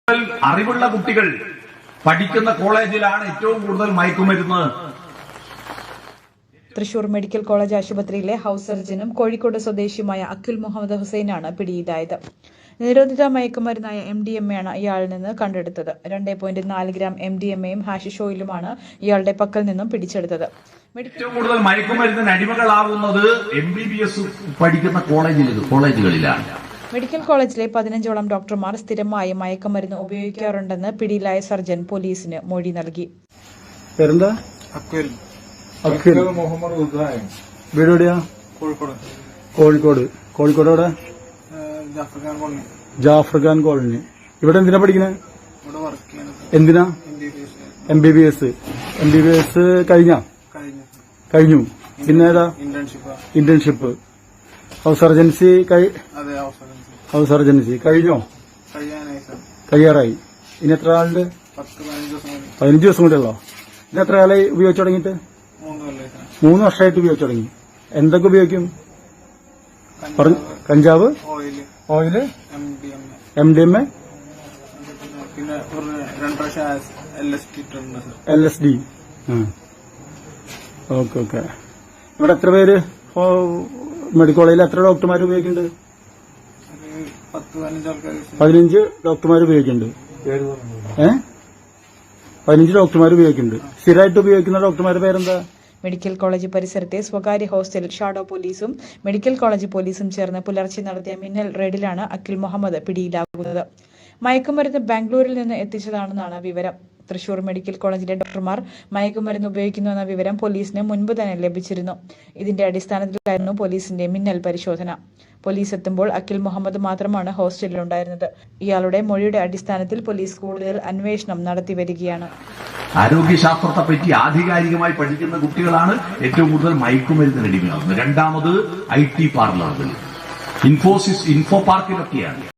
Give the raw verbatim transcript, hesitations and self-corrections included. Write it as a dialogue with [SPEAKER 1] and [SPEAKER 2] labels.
[SPEAKER 1] അറിവുള്ള കുട്ടികൾ പഠിക്കുന്ന കോളേജിലാണ് ഏറ്റവും കൂടുതൽ മയക്കുമരുന്ന്.
[SPEAKER 2] തൃശൂർ മെഡിക്കൽ കോളേജ് ആശുപത്രിയിലെ ഹൌസ് സർജനും കോഴിക്കോട് സ്വദേശിയുമായ അഖിൽ മുഹമ്മദ് ഹുസൈനാണ് പിടിയിലായത്. നിരോധിത മയക്കുമരുന്നായ എം ഡി എം എയാണ് ഇയാളിൽ നിന്ന് കണ്ടെടുത്തത്. രണ്ടേ പോയിന്റ് നാല് ഗ്രാം എം ഡി എം എയും ഹാഷിഷ് ഓയിലുമാണ് ഇയാളുടെ പക്കൽ നിന്നും പിടിച്ചെടുത്തത്.
[SPEAKER 1] ഏറ്റവും കൂടുതൽ മയക്കുമരുന്നിന് അടിമകളാവുന്നത് എം ബി ബി എസ് പഠിക്കുന്ന കോളേജുകളിലാണ്.
[SPEAKER 2] മെഡിക്കൽ കോളേജിലെ പതിനഞ്ചോളം ഡോക്ടർമാർ സ്ഥിരമായി മയക്കുമരുന്ന് ഉപയോഗിക്കാറുണ്ടെന്ന് പിടിയിലായ സർജൻ പോലീസിന് മൊഴി നൽകി.
[SPEAKER 3] കോഴിക്കോട് കോഴിക്കോട് എവിടെ? ജാഫർഖാൻ കോളനി. ഇവിടെ എന്തിനാ പഠിക്കുന്നത്? എന്തിനാ? M B B S. M B B S കഴിഞ്ഞ കഴിഞ്ഞു പിന്നെ ഏതാ? Internship. House surgency house surgency കഴിഞ്ഞോ? കഴിയാറായി. ഇനി എത്ര ആളുണ്ട്? പതിനഞ്ച് ദിവസം കൂടെ ഉള്ളോ? ഇനി എത്ര കാലമായി ഉപയോഗിച്ചു തുടങ്ങിയിട്ട്? മൂന്ന് വർഷമായിട്ട് ഉപയോഗിച്ചു തുടങ്ങി. എന്തൊക്കെ ഉപയോഗിക്കും? കഞ്ചാവ്, oil, M D M A, L S D. Okay okay. ഇവിടെ എത്ര പേര് മെഡിക്കൽ കോളേജിൽ എത്ര ഡോക്ടർമാർ ഉപയോഗിക്കുന്നുണ്ട്? പതിനഞ്ച് ഡോക്ടർമാർ ഉപയോഗിക്കുന്നുണ്ട്. ഏ പതിനഞ്ച് ഡോക്ടർമാർ ഉപയോഗിക്കുന്നുണ്ട്. സ്ഥിരമായിട്ട് ഉപയോഗിക്കുന്ന ഡോക്ടർമാരുടെ പേരെന്താ?
[SPEAKER 2] മെഡിക്കൽ കോളേജ് പരിസരത്തെ സ്വകാര്യ ഹോസ്റ്റലിൽ ഷാഡോ പോലീസും മെഡിക്കൽ കോളേജ് പോലീസും ചേർന്ന് പുലർച്ചെ നടത്തിയ മിന്നൽ റെയ്ഡിലാണ് അഖിൽ മുഹമ്മദ് പിടിയിലാകുന്നത്. മയക്കുമരുന്ന് ബാംഗ്ലൂരിൽ നിന്ന് എത്തിച്ചതാണെന്നാണ് വിവരം. തൃശൂർ മെഡിക്കൽ കോളേജിലെ ഡോക്ടർമാർ മയക്കുമരുന്ന് ഉപയോഗിക്കുന്നുവെന്ന വിവരം പോലീസിന് മുൻപ് തന്നെ ലഭിച്ചിരുന്നു. ഇതിന്റെ അടിസ്ഥാനത്തിലായിരുന്നു പോലീസിന്റെ മിന്നൽ പരിശോധന. പോലീസ് എത്തുമ്പോൾ അഖിൽ മുഹമ്മദ് മാത്രമാണ് ഹോസ്റ്റലിലുണ്ടായിരുന്നത്. ഇയാളുടെ മൊഴിയുടെ അടിസ്ഥാനത്തിൽ പോലീസ് കൂടുതൽ അന്വേഷണം നടത്തി വരികയാണ്.
[SPEAKER 1] ആരോഗ്യശാസ്ത്രത്തെ പറ്റി ആധികാരികമായി പഠിക്കുന്ന കുട്ടികളാണ് ഏറ്റവും കൂടുതൽ മയക്കുമരുന്നിന് അടിമയാകുന്നത്. രണ്ടാമത് ഐ ടി പാർലറുകൾ, ഇൻഫോസിസ്, ഇൻഫോ പാർക്കിലൊക്കെയാണ്.